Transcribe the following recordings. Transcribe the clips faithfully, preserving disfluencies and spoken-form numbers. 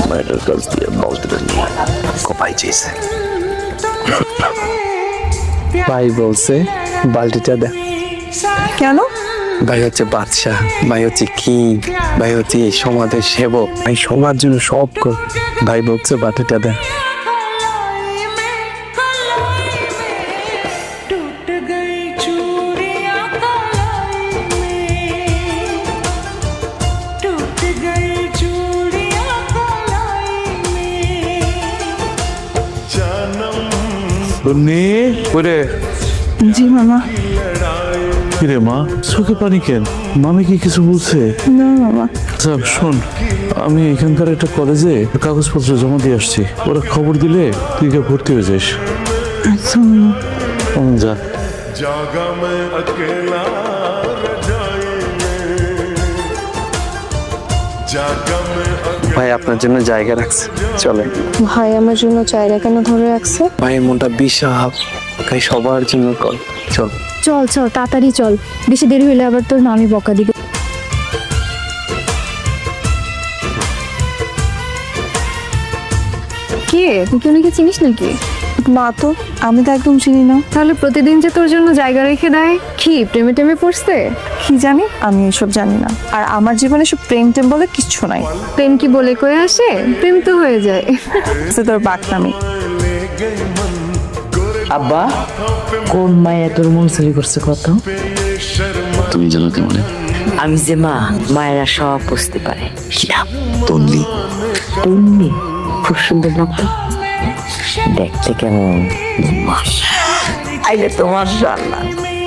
মায়ের কাছ দিয়ে বালতিটা নিয়ে কপাই চেয়েছে। ভাই বলছে বালতিটা দে। কেন? ভাই হচ্ছে বাদশাহ, ভাই হচ্ছে কিং, ভাই হচ্ছে এই সমাজের সেবক, ভাই সবার জন্য সব কর। ভাই বলছে বালতিটা দে। জি মামা। কিরে মা, চোখে পানি কেন? মামি কি কিছু বলছে? না মামা। আচ্ছা শোন, আমি এখানকার একটা কলেজে কাগজপত্র জমা দিয়ে আসছি, ওরা খবর দিলে তুই গিয়ে ভর্তি হয়ে যাস। আচ্ছা মামা। হুম, যা। जागा मैं अकेला रजाई में, जागा मैं ভাই আপনার জন্য জায়গা রাখছে, চলে। ভাই আমার জন্য চায়রা কেন ধরে রাখছে? ভাইয়ের মনটা বিশাল, ভাই সবার জন্য কর, চল। চল চল তাড়াতাড়ি চল, বেশি দেরি হলে আবার তোর নামি বকা দিবে। কে তুই? কেউ নাকি চিনিস নাকি? না তো, আমি তো একদম চিনি না। তাহলে প্রতিদিন যে তোর জন্য জায়গা রেখে দেয়, কি প্রেমে টেমে পড়ছে? কি জানি, আমি এসব জানি না। আর আমার জীবনে সব প্রেম টেম বলে কিচ্ছু নাই। প্রেম কি বলে কয়ে আসে? প্রেম তো হয়ে যায়। সে তোর বাকনামি। আব্বা, কোন মায়া তোর মন চুরি করছে কত? তুমি জানো কেমন? আমি যে মা, মায়েরা সব বুঝতে পারে। কি নাম? তন্নি। তন্নি? খুব সুন্দর নাম তো। দেখতে কেমন? আইলে তোমার জানা।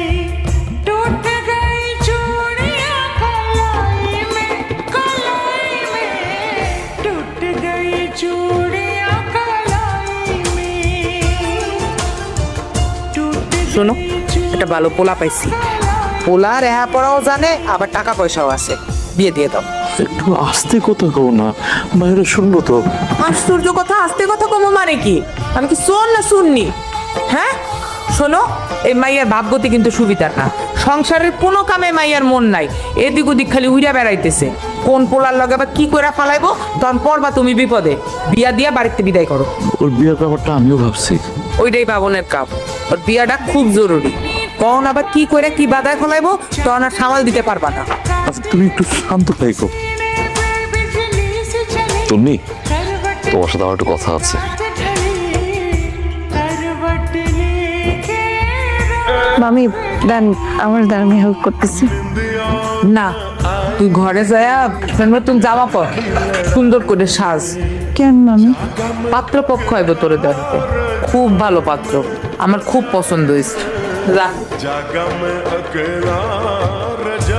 শোনো, একটা ভালো পোলা পাইছি। পোলা রেহা পড়াও জানে, আবার টাকা পয়সাও আছে। বিয়ে দিয়ে দাও। একটু আস্তে কথা কও না, মায়েরা শুনবো তো। আশ্চর্য কথা, আস্তে কথা কমো মানে কি? আমি কি শোন না শুননি? হ্যাঁ শোনো, এই মাইয়ার ভাবগতি কিন্তু সুবিধার না। সংসারের কোনো কামে মাইয়ার মন নাই, এদিক ওদিক খালি উইরা বেড়াইতেছে। কোন পোলার লগে বা কি করে ফালাইবো, তখন পড়বা তুমি বিপদে। বিয়া দিয়া বাড়িতে বিদায় করো। ওর বিয়ের ব্যাপারটা আমিও ভাবছি। ওইটাই বাবনের কাপ, ওর বিয়াটা খুব জরুরি। কখন আবার কি করে কি বাধায় ফলাইবো, তখন আর সামাল দিতে পারবা না। আচ্ছা তুমি একটু শান্ত থাকো। তন্নি, তোমার সাথে আমার একটু কথা আছে। মামি দেন, আমার দেন, আমি হেল্প করতেছি। না, তুই ঘরে যায়া নতুন জামা পর, সুন্দর করে সাজ। কেন মামি? পাত্র পক্ষ হইব তোরে দেখতে, খুব ভালো পাত্র, আমার খুব পছন্দ হয়েছে। যা। जागा मैं अकेला रजाई